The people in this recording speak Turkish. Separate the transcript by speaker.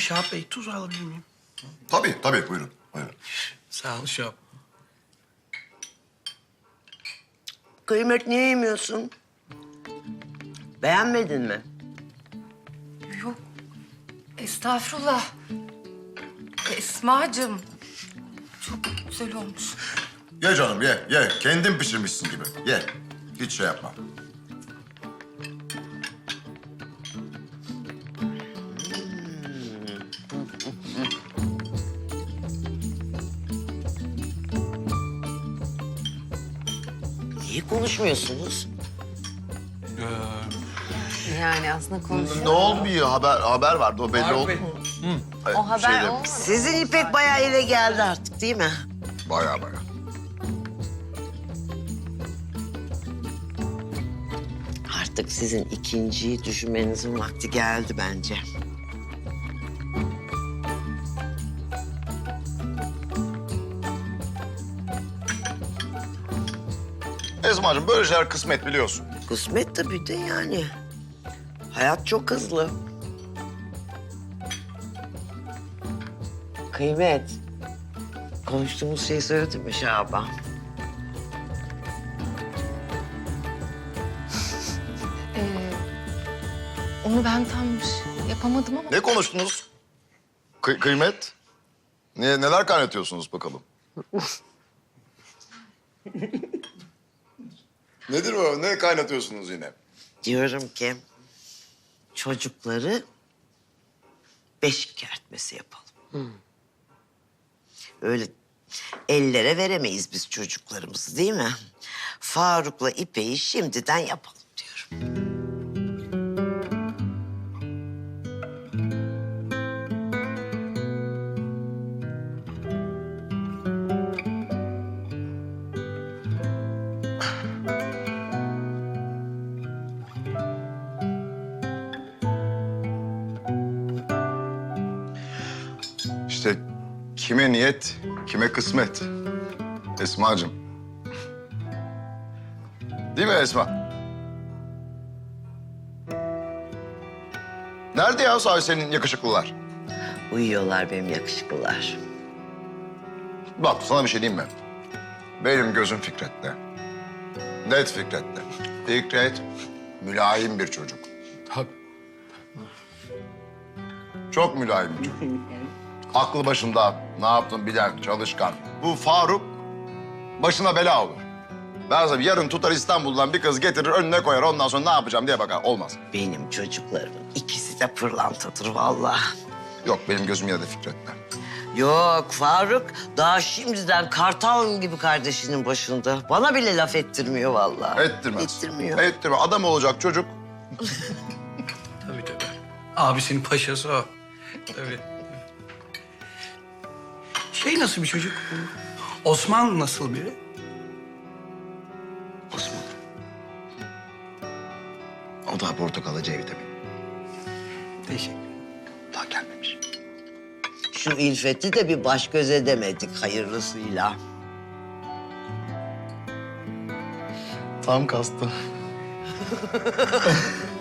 Speaker 1: Şahap Bey, tuz alabilir miyim?
Speaker 2: Tabii buyurun. Buyurun.
Speaker 1: Sağ ol Şahap.
Speaker 3: Kıymet niye yemiyorsun? Beğenmedin mi?
Speaker 4: Yok. Estağfurullah. Esma'cığım. Çok güzel olmuş.
Speaker 2: Ye canım ye. Kendin pişirmişsin gibi. Ye. Hiç şey yapma.
Speaker 3: Niye konuşmuyorsunuz?
Speaker 5: Yani aslında konuşuyor.
Speaker 2: Ne olmuyor? Haber vardı. O belli oldu.
Speaker 5: O haber olmadı.
Speaker 3: Sizin İpek bayağı ile geldi artık değil mi?
Speaker 2: Bayağı.
Speaker 3: Artık sizin ikinciyi düşünmenizin vakti geldi bence.
Speaker 2: Esma'cığım böyle şeyler kısmet biliyorsun.
Speaker 3: Kısmet tabii de yani. Hayat çok hızlı. Kıymet. Konuştuğumuz şeyi söyledin mi Şaban?
Speaker 4: Onu ben tam yapamadım ama...
Speaker 2: Ne konuştunuz? Kıymet? Neler kaynatıyorsunuz bakalım? Nedir o? Ne kaynatıyorsunuz yine?
Speaker 3: Diyorum ki çocukları beşik kertmesi yapalım. Öyle ellere veremeyiz biz çocuklarımızı değil mi? Faruk'la İpek'i şimdiden yapalım diyorum.
Speaker 2: İşte kime niyet, kime kısmet. Esma'cığım. Değil mi Esma? Nerede ya sahi senin yakışıklılar?
Speaker 3: Uyuyorlar benim yakışıklılar.
Speaker 2: Bak sana bir şey diyeyim mi? Benim gözüm Fikret'te. Net Fikret'te. Fikret mülayim bir çocuk.
Speaker 1: Tabii.
Speaker 2: Çok mülayim bir çocuk. Aklı başında, ne yaptın bilen, çalışkan. Bu Faruk başına bela olur. Ben sana yarın tutar İstanbul'dan bir kız getirir önüne koyar. Ondan sonra ne yapacağım diye bakar. Olmaz.
Speaker 3: Benim çocuklarımın ikisi de pırlantadır vallahi.
Speaker 2: Yok benim gözüm yine de Fikret'te.
Speaker 3: Yok Faruk daha şimdiden kartal gibi kardeşinin başında. Bana bile laf ettirmiyor vallahi.
Speaker 2: Ettirmez.
Speaker 3: Ettirmiyor.
Speaker 2: Ettirmez. Adam olacak çocuk.
Speaker 1: Tabii. Abisinin paşası o. Tabii. Şey nasıl bir çocuk? Osman nasıl biri?
Speaker 2: Osman. O da portakalıcı evde mi?
Speaker 1: Teşekkür.
Speaker 2: Daha gelmemiş.
Speaker 3: Şu İlfet'i de bir baş göz edemedik hayırlısıyla.
Speaker 6: Tam kastı.